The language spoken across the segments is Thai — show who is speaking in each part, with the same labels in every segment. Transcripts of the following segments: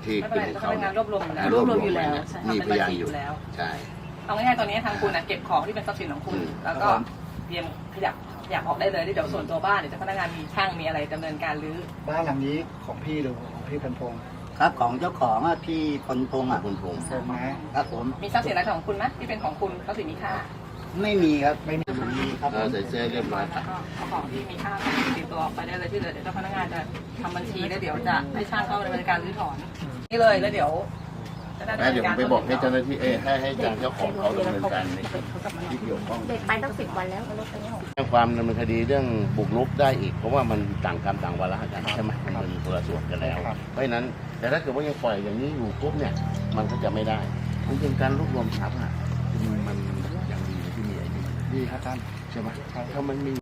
Speaker 1: ที่
Speaker 2: ไม่
Speaker 1: เป็
Speaker 2: เป็น นไร
Speaker 1: ของ
Speaker 2: พ
Speaker 1: เขา
Speaker 2: นักงานรวบรวมอยู่แล้ว
Speaker 1: รวบรวม
Speaker 2: อยู่แล้ว
Speaker 1: นะ
Speaker 2: ใช่
Speaker 1: มี
Speaker 2: ทำ
Speaker 1: พ
Speaker 2: เป็นบัญ
Speaker 1: ยาน
Speaker 2: ชี
Speaker 1: อ
Speaker 2: อยู่ ยู่แล้ว
Speaker 1: ใช่
Speaker 2: เอาง่ายๆตอนนี้ทางคุณเก็บของที่เป็นทรัพย์สินของคุณ แล้วก็เตรียมขยับออกได้เลยเดี๋ยวส่วนตัวบ้านเดี๋ยวพนักงานมีช่างมีอะไรดำเนินการรื้อ
Speaker 3: บ้านหลังนี้ของพี่หรือของพี่พันพงศ์
Speaker 4: ครับของเจ้าของอะพี่พลพงษ์อะ
Speaker 1: คุณพงษ์
Speaker 3: พงศ์นะครับ
Speaker 4: ผม
Speaker 2: มีทรัพย์สินอะไรของคุณไหมที่เป็นของคุณทรัพย์สินมีค่า
Speaker 4: ไม่มีครับ
Speaker 3: ไม่มี
Speaker 4: ครับผม
Speaker 1: ใส่เสื้อเรียบร้อย
Speaker 2: แล้วก็เอาของที่มีค่าติดตัวออกไปได้เลยที่เหลือเดี๋ยวเจ้าพนักงานจะทำบัญชีแล้วเดี๋ยวจะให้ช่างเข้าดำเนินการรื้อถอนนี่เลยแล้วเดี๋ยวจะได้ดำ
Speaker 1: แล้ว
Speaker 2: เนิ
Speaker 1: เดี๋ย
Speaker 2: น
Speaker 1: วผ
Speaker 2: การ
Speaker 1: มไปบอกให้เจ้าหน้าที่ให้ทางเจ้าของเขาดำเนินการในที่เกี่ยวข้อง
Speaker 5: เด็กไปตั้ง10 วันแล้วรถไปไม่ออก
Speaker 1: แจ้งความดำเนินคดีเรื่องบุกรุกได้อีกเพราะว่ามันต่างกรรมต่างวาระกันใช่ไหมมันเป็นคนละส่วนกันแล้ว เพราะฉะนั้นแต่ถ้าเกิดว่ายังปล่อยอย่างนี้อยู่ปุ๊บเนี่ยมันก็จะไม่ได้จริงๆการรวบรวมทรัพย์อ่ะมันอย่างดีที่มีไอ้นี่
Speaker 3: ดีครับท่าน
Speaker 1: ใช่ไหมถ้ามันมี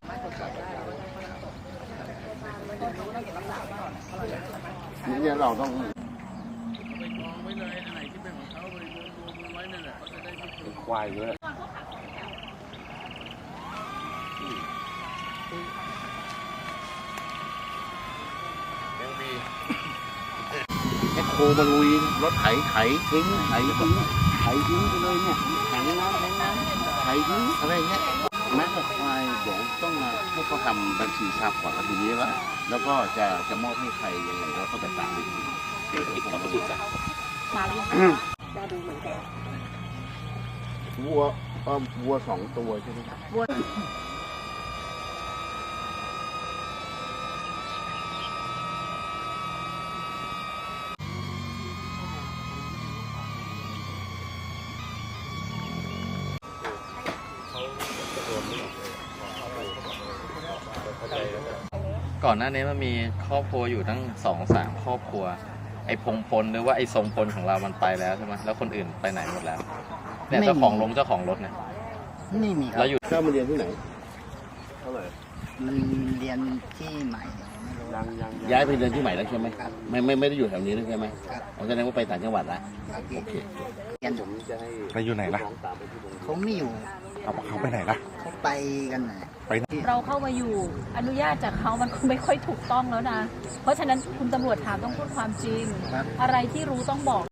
Speaker 1: นี่เราต้องควายเลยยังมีแค่โคมาลุยรถไถทิ้งไถทิ้งไปเลยเนี่ยแข็งน้ำไถทิ้งอะไรเงี้ยแม้แต่ควายเดี๋ยวต้องมาให้เขาทำบัญชีทรัพย์ก่อนทีนี้แล้วก็จะมอบให้ใครยังไงแล้วก็จะตามไปทีเดี๋ยวผมมาดูกัน
Speaker 5: มาหรือยังจะดูเหมือนกัน
Speaker 1: วัว2 ตัวใช่ไหมครับ
Speaker 5: วัว
Speaker 6: ก่อนหน้านี้มันมีครอบครัวอยู่ตั้ง2-3 ครอบครัว ไอ้พงพลหรือว่าไอ้ทรงพลของเรามันไปแล้วใช่ไหมแล้วคนอื่นไปไหนหมดแล้วเนี่ยเจ้าของรถเนี่ย
Speaker 4: ไม่มีครับ
Speaker 6: แล้วอยู่
Speaker 1: เข้ามาเรียนที่ไหนเท่าไหร่
Speaker 4: มันเรียนที่ใหม่ไม่รู้
Speaker 1: ย้ายไปเรียนที่ใหม่แล้วใช่ไหมไม่ได้อยู่แถวนี้แล้วใช่ไหม
Speaker 4: ครับ
Speaker 1: อ๋อแสดงว่าไปต่างจังหวัดละ
Speaker 4: ครับ
Speaker 1: โอเค
Speaker 4: เรียน
Speaker 1: ผมจะให้
Speaker 7: ไปอยู่ไหนล่ะ
Speaker 4: เขาไม่อยู่
Speaker 7: เขาไปไหนล่ะ
Speaker 4: เขาไปกันไหน
Speaker 5: เราเข้ามาอยู่อนุญาตจากเขามันคงไม่ค่อยถูกต้องแล้วนะ เพราะฉะนั้นคุณตำรวจถามต้องพูดความจริง อะไรที่รู้ต้องบอก